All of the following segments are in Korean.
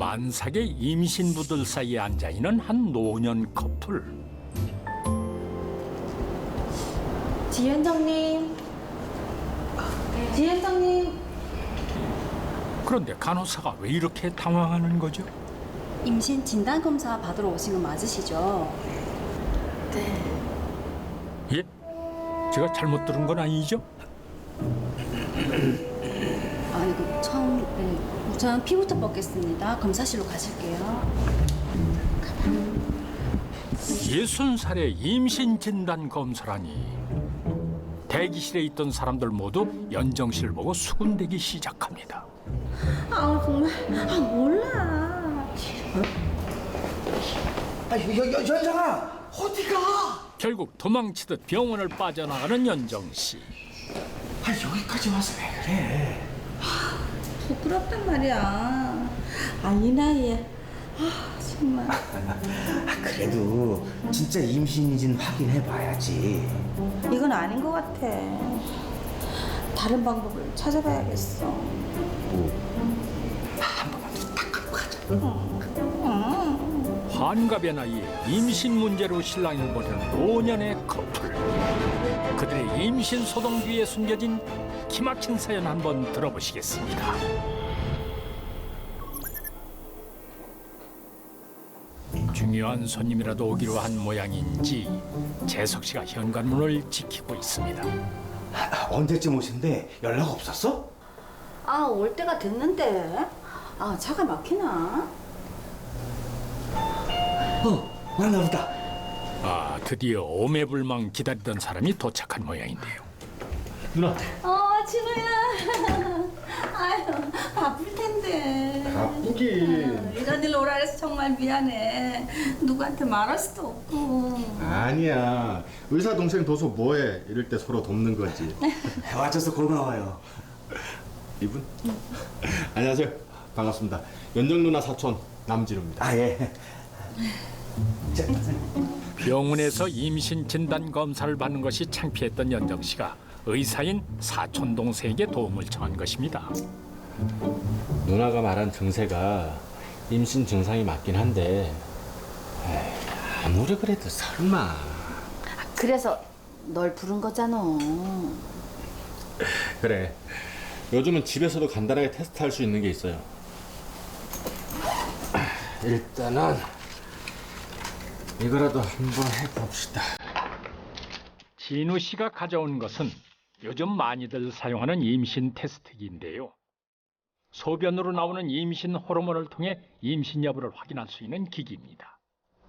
만삭의 임신부들 사이에 앉아있는 한 노년 커플. 지현정님. 지현정님. 그런데 간호사가 왜 이렇게 당황하는 거죠? 임신 진단 검사 받으러 오신 거 맞으시죠? 네. 예? 제가 잘못 들은 건 아니죠? 아이고 참. 네. 우선 피부터 뽑겠습니다. 검사실로 가실게요. 60살의 임신 진단 검사라니. 대기실에 있던 사람들 모두 연정 씨를 보고 수군대기 시작합니다. 아 정말. 아 몰라. 연정아, 어디가? 결국 도망치듯 병원을 빠져나가는 연정 씨. 여기까지 와서 왜 그래? 부끄럽단 말이야. 아 이 나이에. 아 정말. 그래도 진짜 임신인지는 확인해봐야지. 이건 아닌 것 같아. 다른 방법을 찾아봐야겠어. 한 번만 딱 갖고 가자. 환갑의 나이에 임신 문제로 실랑이를 벌이는 노년의 커플. 그들의 임신 소동 뒤에 숨겨진 기막힌 사연 한번 들어보시겠습니다. 중요한 손님이라도 오기로 한 모양인지 재석 씨가 현관문을 지키고 있습니다. 언제쯤 오신대? 연락 없었어? 아 올 때가 됐는데. 아 차가 막히나? 왔나 보다. 아, 드디어 오매불망 기다리던 사람이 도착한 모양인데요. 누나. 진우야. 아유 바쁠 텐데. 바쁘긴. 이런 일로 오라 해서 정말 미안해. 누구한테 말할 수도 없고. 아니야. 의사 동생 둬서 뭐해? 이럴 때 서로 돕는 거지. 와줘서 고마워요. 이분? 안녕하세요. 반갑습니다. 연정 누나 사촌 남진우입니다. 아 예. 자, 병원에서 임신 진단 검사를 받는 것이 창피했던 연정 씨가 의사인 사촌 동생에게 도움을 청한 것입니다. 누나가 말한 증세가 임신 증상이 맞긴 한데 에이, 아무리 그래도 설마. 그래서 널 부른 거잖아. 그래. 요즘은 집에서도 간단하게 테스트할 수 있는 게 있어요. 일단은 이거라도 한번 해봅시다. 진우 씨가 가져온 것은 요즘 많이들 사용하는 임신 테스트기인데요. 소변으로 나오는 임신 호르몬을 통해 임신 여부를 확인할 수 있는 기기입니다.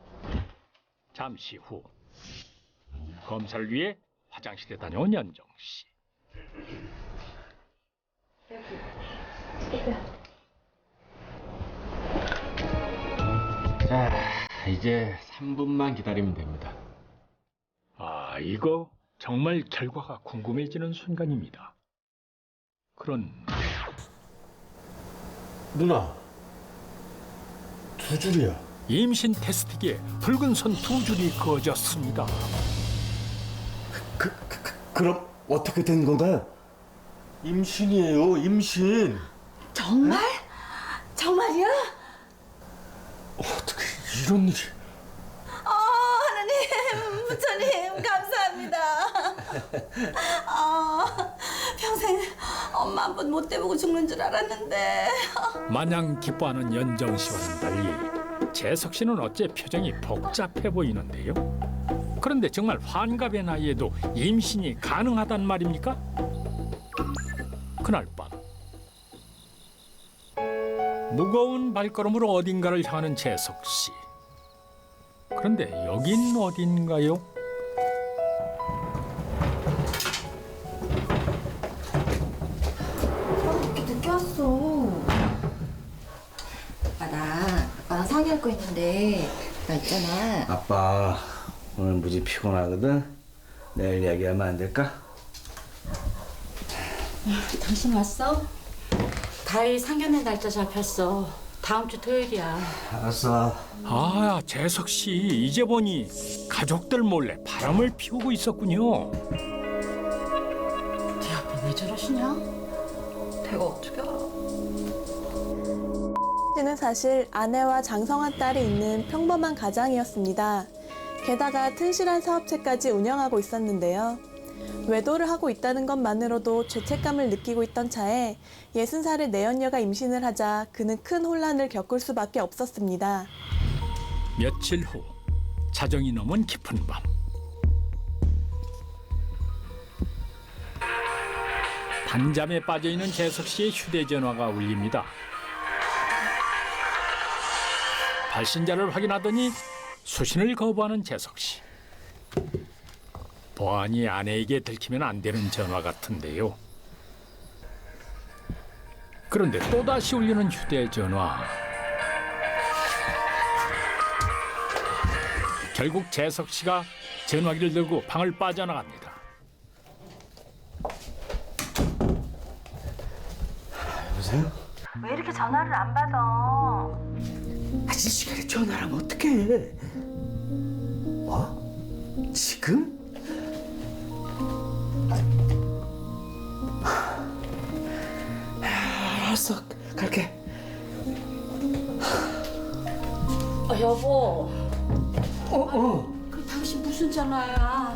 잠시 후 검사를 위해 화장실에 다녀온 연정 씨. 자, 이제 3분만 기다리면 됩니다. 아, 이거 정말 결과가 궁금해지는 순간입니다. 그런데 누나, 2줄이야. 임신 테스트기에 붉은 선 2줄이 그어졌습니다. 그럼 어떻게 된 건가요? 임신이에요, 임신. 정말? 정말이야? 어떻게 이런 일이? 하나님, 부처님 감사합니다. 평생 엄마 한 번 못 대보고 죽는 줄 알았는데. 마냥 기뻐하는 연정 씨와는 달리 재석 씨는 어째 표정이 복잡해 보이는데요. 그런데 정말 환갑의 나이에도 임신이 가능하단 말입니까? 그날 밤 무거운 발걸음으로 어딘가를 향하는 재석 씨. 그런데 여긴 어딘가요? 이렇게 늦게 왔어. 아빠랑 상의할 거 있는데 나 있잖아. 아빠 오늘 무지 피곤하거든. 내일 이야기하면 안 될까? 당신 왔어? 가일 상견례 날짜 잡혔어. 다음 주 토요일이야. 알았어. 아, 재석 씨 이제 보니 가족들 몰래 바람을 피우고 있었군요. 네 아빠 왜 저러시냐? 내가 어떻게 알아? 씨는 사실 아내와 장성한 딸이 있는 평범한 가장이었습니다. 게다가 튼실한 사업체까지 운영하고 있었는데요. 외도를 하고 있다는 것만으로도 죄책감을 느끼고 있던 차에 60살의 내연녀가 임신을 하자 그는 큰 혼란을 겪을 수밖에 없었습니다. 며칠 후 자정이 넘은 깊은 밤. 단잠에 빠져있는 재석 씨의 휴대전화가 울립니다. 발신자를 확인하더니 수신을 거부하는 재석 씨. 보안이 아내에게 들키면 안 되는 전화 같은데요. 그런데 또다시 울리는 휴대전화. 결국 재석 씨가 전화기를 들고 방을 빠져나갑니다. 여보세요? 왜 이렇게 전화를 안 받아? 아직 시간에 전화를 하면 어떡해? 뭐? 지금? 알았어, 갈게. 여보. 어. 그 당신 무슨 전화야?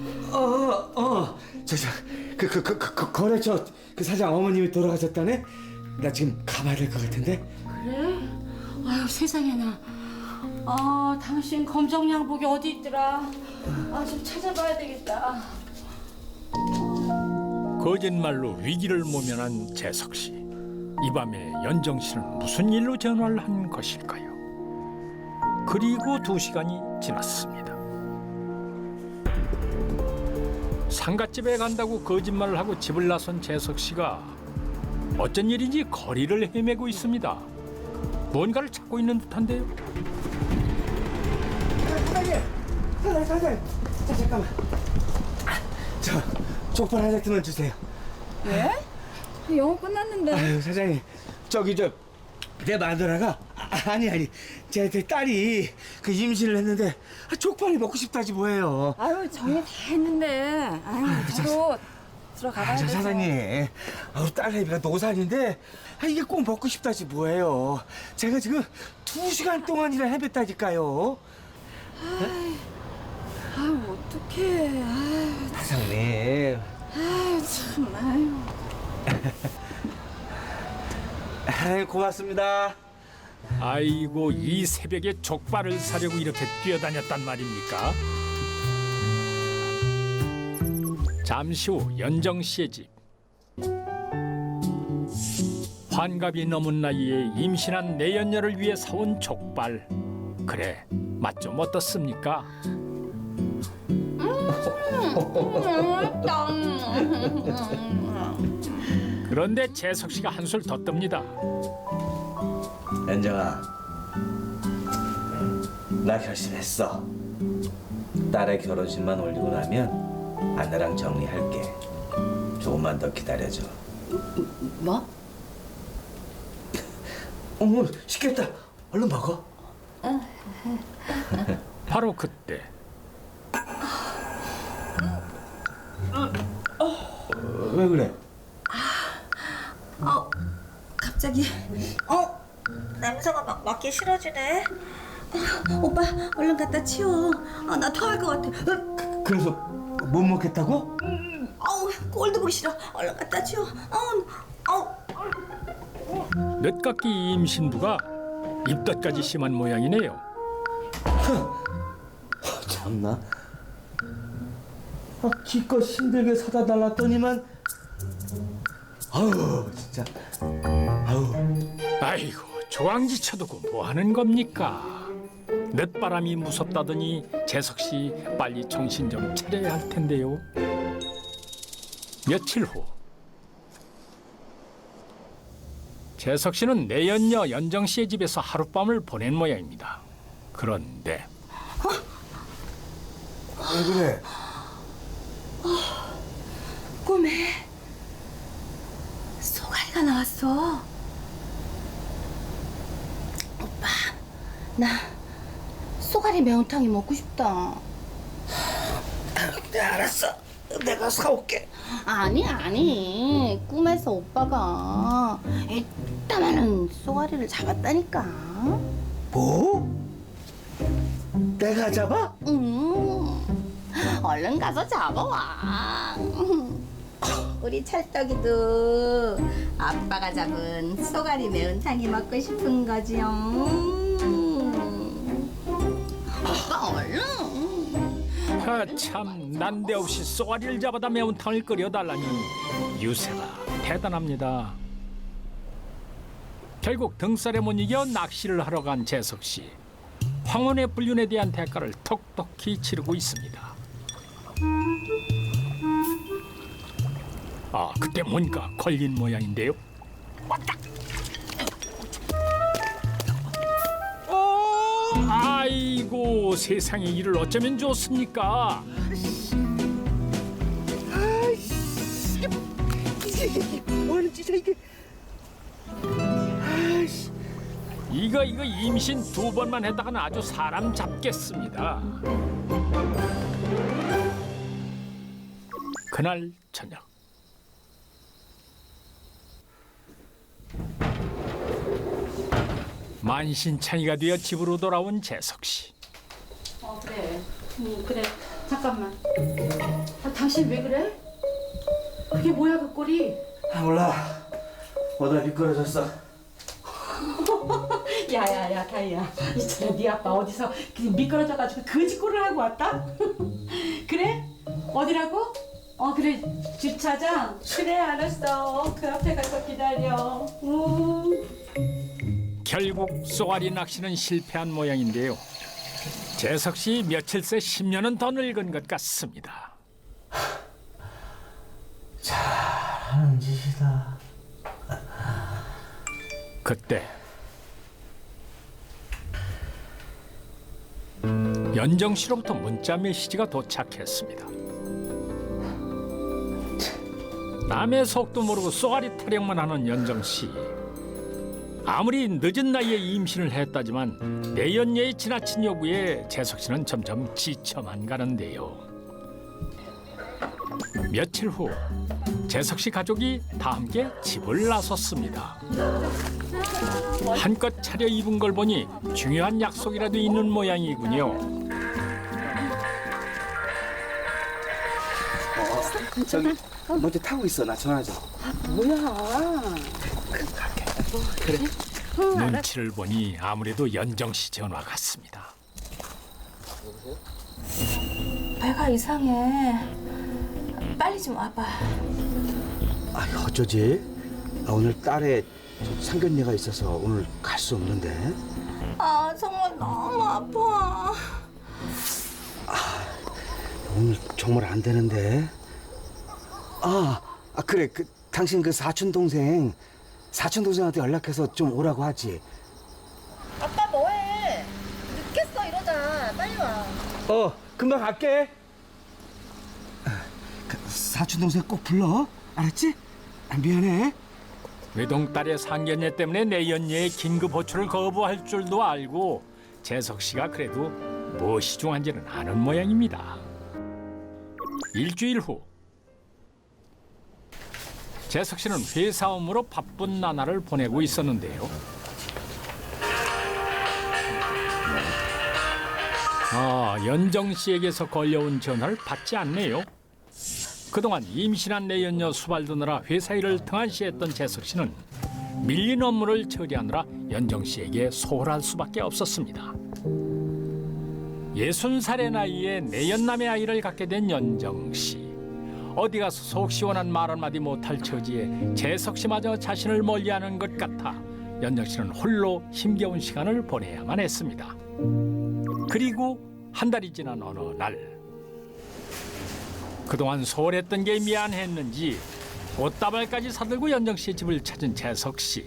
거래처 그 사장 어머님이 돌아가셨다네? 나 지금 가봐야 될 것 같은데? 그래? 아유 세상에나. 당신 검정 양복이 어디 있더라? 좀 찾아봐야 되겠다. 거짓말로 위기를 모면한 재석 씨. 이 밤에 연정 씨는 무슨 일로 전화를 한 것일까요? 그리고 2시간이 지났습니다. 상갓집에 간다고 거짓말을 하고 집을 나선 재석 씨가 어쩐 일인지 거리를 헤매고 있습니다. 뭔가를 찾고 있는 듯한데요. 사장님. 자, 잠깐만. 저 족발 한 세트만 주세요. 왜? 영어 끝났는데. 아유, 사장님. 내 마누라가 아니 제 딸이 그 임신을 했는데 족발이 먹고 싶다지 뭐예요. 아유 정리 다 했는데. 바로 들어가봐야 저 돼. 사장님, 딸내미가 노산인데 이게 꼭 먹고 싶다지 뭐예요. 제가 지금 2시간 동안이나 헤맸다니까요. 어떡해. 사장님. 참. 고맙습니다. 아이고, 이 새벽에 족발을 사려고 이렇게 뛰어다녔단 말입니까? 잠시 후 연정 씨의 집. 환갑이 넘은 나이에 임신한 내연녀를 위해 사온 족발. 그래, 맛 좀 어떻습니까? 그런데 재석 씨가 한술 더 뜹니다. 연정아, 나 결심했어. 딸의 결혼식만 올리고 나면 아내랑 정리할게. 조금만 더 기다려줘. 뭐? 어머, 시켰다. 얼른 먹어. 바로 그때 왜 그래? 갑자기 냄새가 막 맡기 싫어지네. 오빠 얼른 갖다 치워. 나 토할 것 같아. 그래서 못 먹겠다고? 꼴도 보기 싫어. 얼른 갖다 치워. 늦깎이 임신부가 입덧까지 심한 모양이네요. 참나. 기껏 힘들게 사다 달랐더니만 아우 진짜 아우. 아이고, 조항지 쳐두고 뭐 하는 겁니까? 늦바람이 무섭다더니 재석 씨 빨리 정신 좀 차려야 할 텐데요. 며칠 후 재석 씨는 내연녀 연정 씨의 집에서 하룻밤을 보낸 모양입니다. 그런데 왜 그래? 꿈에 소갈이가 나왔어. 오빠, 나 소갈이 매운탕이 먹고 싶다. 네, 알았어. 내가 사올게. 아니 꿈에서 오빠가 이따만한 쏘가리를 잡았다니까. 뭐? 내가 잡아? 얼른 가서 잡아와. 우리 찰떡이도 아빠가 잡은 쏘가리 매운탕이 먹고 싶은 거지요. 오빠 얼른. 참 난데없이 쏘가리를 잡아다 매운탕을 끓여달라니 유세가 대단합니다. 결국 등살에 못 이겨 낚시를 하러 간 재석 씨. 황혼의 불륜에 대한 대가를 톡톡히 치르고 있습니다. 아, 그때 뭔가 걸린 모양인데요. 왔다. 아이고, 세상에 이를 어쩌면 좋습니까? 이게 뭐하는 짓이야 이게? 아이씨. 이거 임신 2번만 했다가는 아주 사람 잡겠습니다. 그날 저녁. 만신창이가 되어 집으로 돌아온 재석 씨. 그래. 그래. 잠깐만. 당신 왜 그래? 그게 뭐야 그 꼴이? 몰라. 오다 미끄러졌어. 야야야 다이야. 있잖아 네 아빠 어디서 미끄러져가지고 거지꼴을 하고 왔다? 그래? 어디라고? 그래 주차장? 그래 알았어. 그 앞에 가서 기다려. 결국 쏘가리 낚시는 실패한 모양인데요. 재석 씨 며칠 새 10년은 더 늙은 것 같습니다. 잘하는 짓이다. 그때 연정 씨로부터 문자 메시지가 도착했습니다. 남의 속도 모르고 쏘가리 타령만 하는 연정 씨. 아무리 늦은 나이에 임신을 했다지만 내연녀의 지나친 요구에 재석 씨는 점점 지쳐만 가는데요. 며칠 후 재석 씨 가족이 다 함께 집을 나섰습니다. 한껏 차려입은 걸 보니 중요한 약속이라도 있는 모양이군요. 저기 먼저 타고 있어. 나 전화 좀. 눈치를 보니 아무래도 연정 씨 전화 같습니다. 배가 이상해. 빨리 좀 와봐. 어쩌지? 오늘 딸에 상견례가 있어서 오늘 갈 수 없는데. 정말 너무 아파. 오늘 정말 안 되는데. 그래. 당신 그 사촌 동생한테 연락해서 좀 오라고 하지. 아빠 뭐해? 늦겠어 이러다. 빨리 와. 금방 갈게. 사촌 동생 꼭 불러. 알았지? 미안해. 외동딸의 상견례 때문에 내연녀의 긴급 호출을 거부할 줄도 알고 재석 씨가 그래도 무엇이 중요한지는 아는 모양입니다. 일주일 후 재석 씨는 회사 업무로 바쁜 나날을 보내고 있었는데요. 연정 씨에게서 걸려온 전화를 받지 않네요. 그동안 임신한 내연녀 수발두느라 회사 일을 등한시했던 재석 씨는 밀린 업무를 처리하느라 연정 씨에게 소홀할 수밖에 없었습니다. 60살의 나이에 내연남의 아이를 갖게 된 연정 씨. 어디 가서 속 시원한 말 한마디 못할 처지에 재석 씨마저 자신을 멀리하는 것 같아 연정 씨는 홀로 힘겨운 시간을 보내야만 했습니다. 그리고 한 달이 지난 어느 날 그동안 소홀했던 게 미안했는지 꽃다발까지 사들고 연정 씨의 집을 찾은 재석 씨.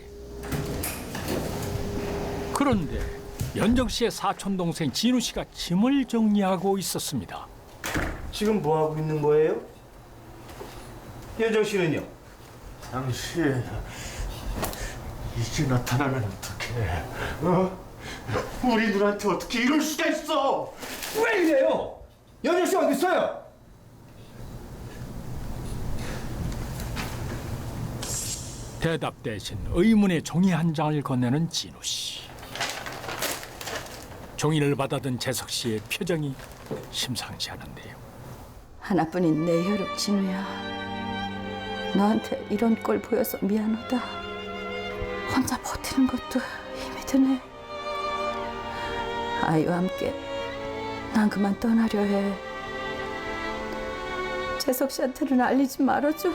그런데 연정 씨의 사촌 동생 진우 씨가 짐을 정리하고 있었습니다. 지금 뭐 하고 있는 거예요? 연정 씨는요? 당신 이제 나타나면 어떡해? 우리 누나한테 어떻게 이럴 수가 있어? 왜 이래요? 연정 씨 어디 있어요? 대답 대신 의문의 종이 한 장을 건네는 진우 씨. 종이를 받아든 재석 씨의 표정이 심상치 않은데요. 하나뿐인 내 혈육 진우야. 너한테 이런 꼴 보여서 미안하다. 혼자 버티는 것도 힘이 드네. 아이와 함께 난 그만 떠나려 해. 재석 씨한테는 알리지 말아줘.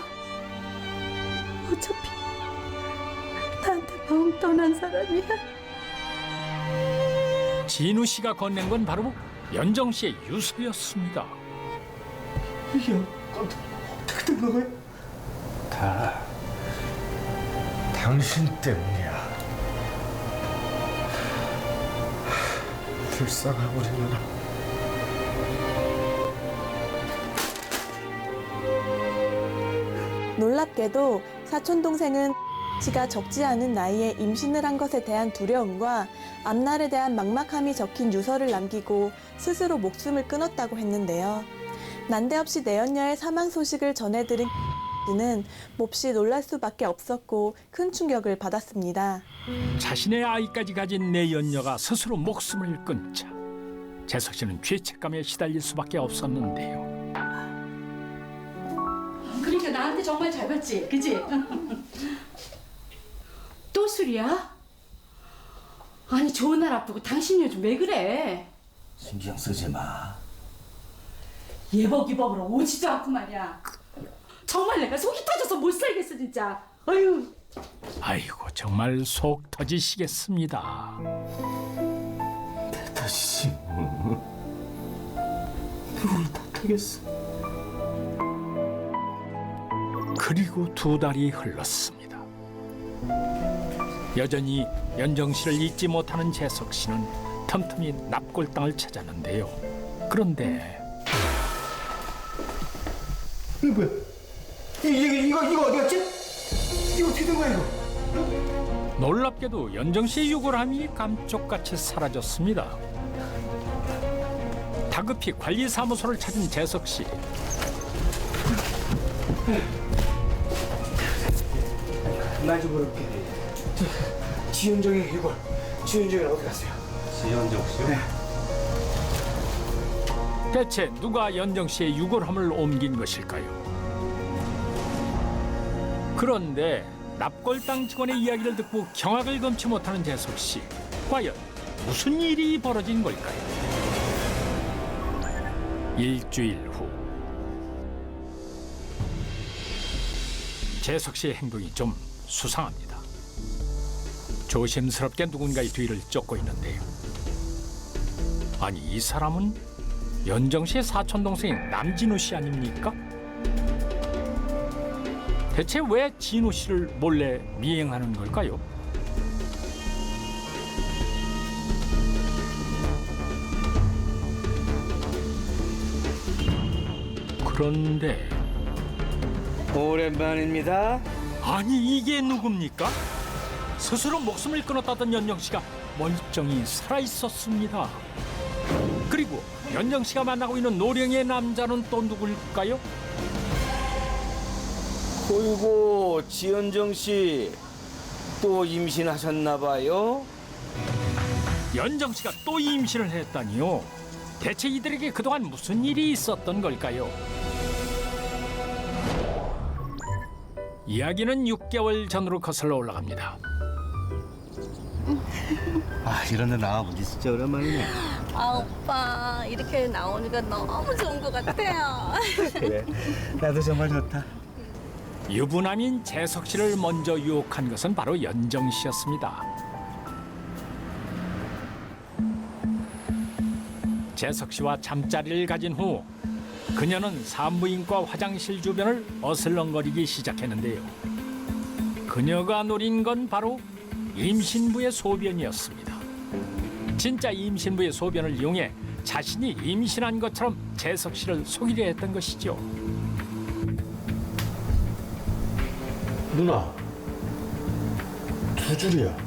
어차피 나한테 마음 떠난 사람이야. 진우 씨가 건넨 건 바로 연정 씨의 유서였습니다. 이게 어떻게 된 거야? 다 당신 때문이야. 불쌍한 우리 누나. 놀랍게도 사촌 동생은 씨가 적지 않은 나이에 임신을 한 것에 대한 두려움과 앞날에 대한 막막함이 적힌 유서를 남기고 스스로 목숨을 끊었다고 했는데요. 난데없이 내연녀의 사망 소식을 전해들은 씨는 몹시 놀랄 수밖에 없었고 큰 충격을 받았습니다. 자신의 아이까지 가진 내연녀가 스스로 목숨을 끊자 재석 씨는 죄책감에 시달릴 수밖에 없었는데요. 그러니까 나한테 정말 잘 봤지, 그지? 또 술이야? 아니 좋은 날 앞두고 당신 요즘 왜 그래? 신경 쓰지 마. 예복이복으로 오지도 않고 말이야. 정말 내가 속이 터져서 못 살겠어 진짜. 아유. 아이고 정말 속 터지시겠습니다. 다시 누구나 다 되겠어. 그리고 2달이 흘렀습니다. 여전히 연정 씨를 잊지 못하는 재석 씨는 틈틈이 납골당을 찾았는데요. 그런데 이거 뭐야? 이거 어디 갔지? 이거 어떻게 된 거야 이거? 놀랍게도 연정 씨의 유골함이 감쪽같이 사라졌습니다. 다급히 관리사무소를 찾은 재석 씨. 나 좀 물어볼게. 지현정의 이걸 지현정이 어디 갔어요? 지현정 씨요? 네. 대체 누가 연정 씨의 유골함을 옮긴 것일까요? 그런데 납골당 직원의 이야기를 듣고 경악을 금치 못하는 재석 씨. 과연 무슨 일이 벌어진 걸까요? 일주일 후 재석 씨의 행동이 좀 수상합니다. 조심스럽게 누군가의 뒤를 쫓고 있는데요. 아니 이 사람은 연정 씨의 사촌 동생인 남진우 씨 아닙니까? 대체 왜 진우 씨를 몰래 미행하는 걸까요? 그런데 오랜만입니다. 아니 이게 누굽니까? 스스로 목숨을 끊었다던 연정 씨가 멀쩡히 살아 있었습니다. 그리고 연정 씨가 만나고 있는 노령의 남자는 또 누굴까요? 어이구 지현정 씨 또 임신하셨나 봐요? 연정 씨가 또 임신을 했다니요. 대체 이들에게 그동안 무슨 일이 있었던 걸까요? 이야기는 6개월 전으로 거슬러 올라갑니다. 아 이런 데 나와본 지 진짜 오랜만이네. 아 오빠 이렇게 나오니까 너무 좋은 것 같아요. 그래 나도 정말 좋다. 유부남인 재석 씨를 먼저 유혹한 것은 바로 연정 씨였습니다. 재석 씨와 잠자리를 가진 후 그녀는 산부인과 화장실 주변을 어슬렁거리기 시작했는데요. 그녀가 노린 건 바로 임신부의 소변이었습니다. 진짜 임신부의 소변을 이용해 자신이 임신한 것처럼 재석 씨를 속이려 했던 것이죠. 누나 2줄이야.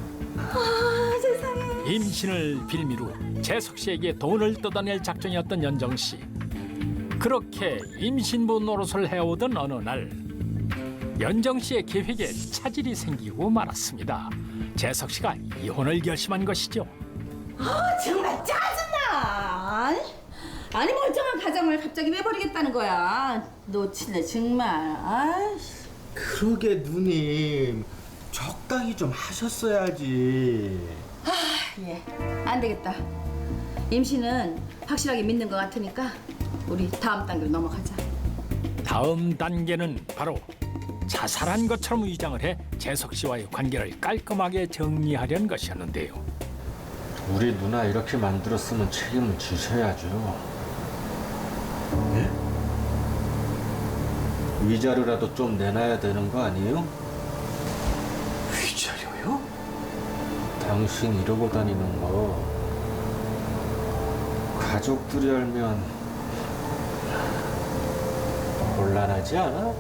임신을 빌미로 재석 씨에게 돈을 뜯어낼 작정이었던 연정 씨. 그렇게 임신부 노릇을 해오던 어느 날 연정 씨의 계획에 차질이 생기고 말았습니다. 재석 씨가 이혼을 결심한 것이죠. 정말 짜증나. 아니 멀쩡한 가정을 갑자기 내버리겠다는 거야. 놓칠래 정말. 아이씨. 그러게 누님 적당히 좀 하셨어야지. 예, 안 되겠다. 임신은 확실하게 믿는 것 같으니까 우리 다음 단계로 넘어가자. 다음 단계는 바로 자살한 것처럼 위장을 해 재석 씨와의 관계를 깔끔하게 정리하려는 것이었는데요. 우리 누나 이렇게 만들었으면 책임을 지셔야죠. 네? 위자료라도 좀 내놔야 되는 거 아니에요? 위자료요? 당신 이러고 다니는 거 가족들이 알면 곤란하지 않아?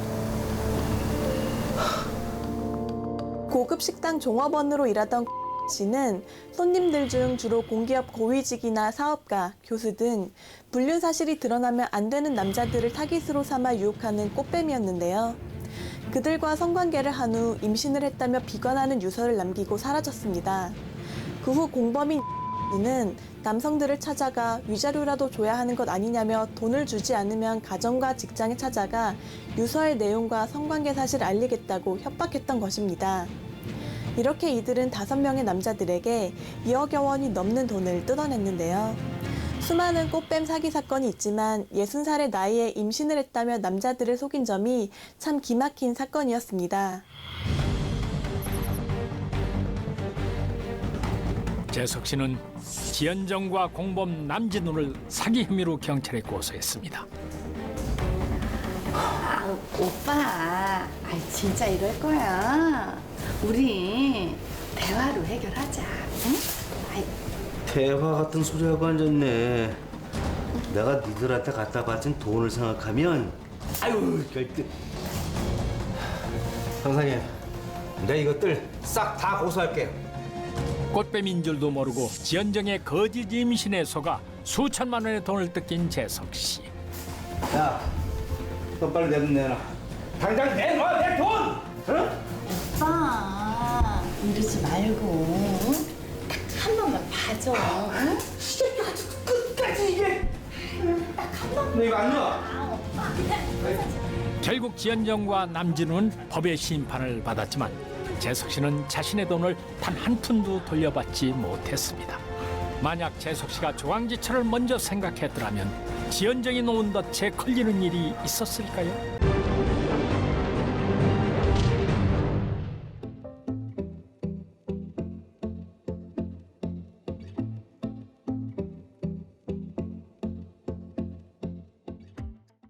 고급 식당 종업원으로 일하던 씨는 손님들 중 주로 공기업 고위직이나 사업가, 교수 등 불륜 사실이 드러나면 안 되는 남자들을 타깃으로 삼아 유혹하는 꽃뱀이었는데요. 그들과 성관계를 한 후 임신을 했다며 비관하는 유서를 남기고 사라졌습니다. 그 후 공범인 는 남성들을 찾아가 위자료라도 줘야 하는 것 아니냐며 돈을 주지 않으면 가정과 직장에 찾아가 유서의 내용과 성관계 사실을 알리겠다고 협박했던 것입니다. 이렇게 이들은 5명의 남자들에게 2억여 원이 넘는 돈을 뜯어냈는데요. 수많은 꽃뱀 사기 사건이 있지만 60살의 나이에 임신을 했다며 남자들을 속인 점이 참 기막힌 사건이었습니다. 재석 씨는 지연정과 공범 남진우를 사기 혐의로 경찰에 고소했습니다. 오빠, 진짜 이럴 거야. 우리 대화로 해결하자. 응? 대화 같은 소리하고 앉았네. 내가 니들한테 갖다 바친 돈을 생각하면 아유 결대. 형사님, 내가 이것들 싹 다 고소할게요. 꽃뱀인 줄도 모르고 지연정의 거짓 임신에 속아 수천만 원의 돈을 뜯긴 재석 씨. 야, 너 빨리 내 돈 내놔. 당장 내놔 내 돈. 응? 오빠, 이러지 말고 딱 한 번만 봐줘. 응? 끝까지 이게. 너 이거 안 놔. 결국 지연정과 남진우는 법의 심판을 받았지만 재석 씨는 자신의 돈을 단 한 푼도 돌려받지 못했습니다. 만약 재석 씨가 조강지철을 먼저 생각했더라면 지연정이 놓은 덫에 걸리는 일이 있었을까요?